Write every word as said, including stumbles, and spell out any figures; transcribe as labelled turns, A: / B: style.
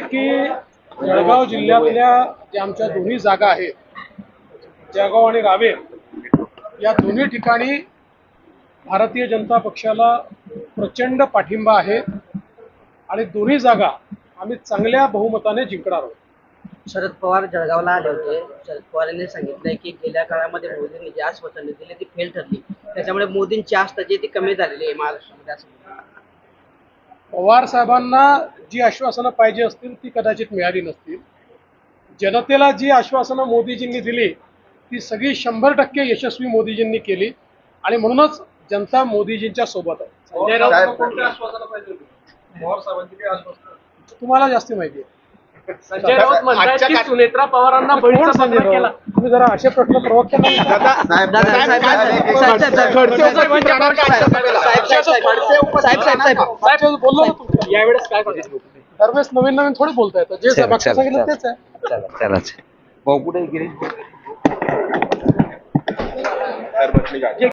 A: की जळगाव जिल्ह्यातल्या ज्या आमच्या दोन्ही जागा आहेत, जळगाव आणि रावेर, या दोन्ही ठिकाणी भारतीय जनता पक्षाला प्रचंड पाठिंबा आहे आणि दोन्ही जागा आम्ही चांगल्या बहुमताने जिंकणार आहोत.
B: शरद पवार जळगावला आले होते. शरद पवार यांनी सांगितलंय की गेल्या काळामध्ये मोदींनी जी आश्वासने दिली ती फेल ठरली, त्याच्यामुळे मोदींची आस्था जी ती कमी झालेली आहे महाराष्ट्रामध्ये असं.
A: पवार साहेबांना जी आश्वासनं पाहिजे असतील ती कदाचित मिळाली नसतील. जनतेला जी आश्वासनं मोदीजींनी दिली ती सगळी शंभर टक्के यशस्वी मोदीजींनी केली आणि म्हणूनच जनता मोदीजींच्या सोबत आहे. संजय राऊत कोणत्या आश्वासनं पाहिजे होती? पवार साहेबांची काही आश्वासन तुम्हाला जास्त माहिती आहे.
C: संजय राऊत म्हणतात की सुनेत्रा पवारांना बळीचा पत्र केला.
A: तुम्ही जरा असे प्रश्न प्रवक्त्यांना बोललो ना तुम्ही
C: यावेळेस काय करायचं?
A: दरवेळेस नवीन नवीन थोडी बोलता येतं. जे मागचं सांगितलं तेच आहे.
D: चला चला भाऊ कुठे गिरीश